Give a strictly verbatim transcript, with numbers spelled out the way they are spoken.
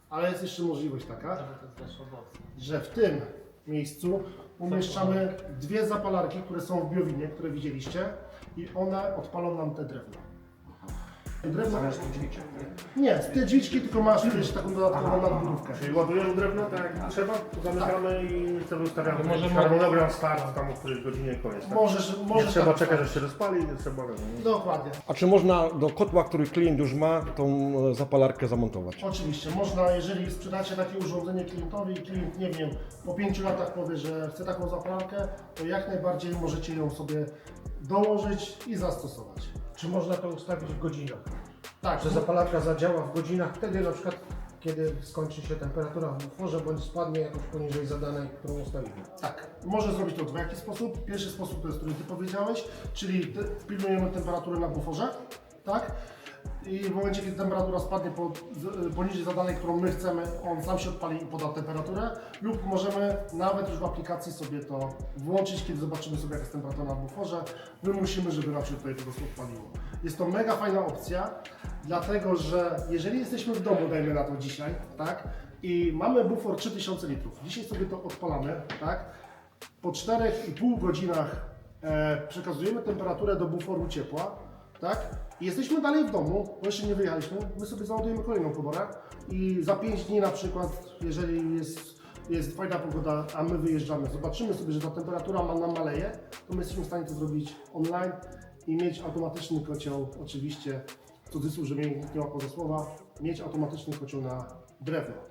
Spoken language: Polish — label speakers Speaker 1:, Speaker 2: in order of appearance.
Speaker 1: Ale jest jeszcze możliwość taka, że w tym miejscu umieszczamy dwie zapalarki, które są w biowinie, które widzieliście i one odpalą nam te drewno. Drewno...
Speaker 2: Zamiast dźwiczek, nie?
Speaker 1: Nie, z tej dźwiczki, tylko masz jeszcze taką dodatkową nadbudówkę.
Speaker 3: Czyli ładujemy drewno tak jak trzeba, to zamykamy i sobie ustawiamy
Speaker 4: Możemy-
Speaker 3: jakiś harmonogram start tam o której godzinie koniec. Tak?
Speaker 1: Możesz,
Speaker 3: Nie
Speaker 1: możesz
Speaker 3: trzeba
Speaker 1: tak
Speaker 3: czekać, aż się rozpali, nie trzeba... Nie?
Speaker 1: Dokładnie.
Speaker 2: A czy można do kotła, który klient już ma, tą e, zapalarkę zamontować?
Speaker 1: Oczywiście, można, jeżeli sprzedacie takie urządzenie klientowi i klient, nie wiem, po pięciu latach powie, że chce taką zapalarkę, to jak najbardziej możecie ją sobie dołożyć i zastosować.
Speaker 4: Czy można to ustawić w godzinach?
Speaker 1: Tak,
Speaker 4: Że zapalarka zadziała w godzinach, wtedy na przykład kiedy skończy się temperatura w buforze bądź spadnie jakoś poniżej zadanej, którą ustawimy.
Speaker 1: tak. Może zrobić to w dwojaki sposób. Pierwszy sposób to jest, który Ty powiedziałeś, czyli te- pilnujemy temperaturę na buforze, tak? I w momencie, kiedy temperatura spadnie po, z- poniżej zadanej, którą my chcemy, on sam się odpali i poda temperaturę, lub możemy nawet już w aplikacji sobie to włączyć, kiedy zobaczymy sobie, jaka jest temperatura na buforze. Wymusimy, żeby nam się tutaj po prostu odpaliło. Jest to mega fajna opcja, dlatego że jeżeli jesteśmy w domu, dajmy na to dzisiaj, tak? I mamy bufor trzy tysiące litrów. Dzisiaj sobie to odpalamy, tak? Po czterech i pół godzinach e, przekazujemy temperaturę do buforu ciepła, tak? I jesteśmy dalej w domu, bo jeszcze nie wyjechaliśmy, my sobie załadujemy kolejną komorę i za pięć dni na przykład, jeżeli jest, jest fajna pogoda, a my wyjeżdżamy, zobaczymy sobie, że ta temperatura ma, nam maleje, to my jesteśmy w stanie to zrobić online i mieć automatyczny kocioł, oczywiście, w cudzysłów, że mnie nikt nie łapał za słowa, mieć automatyczny kocioł na drewno.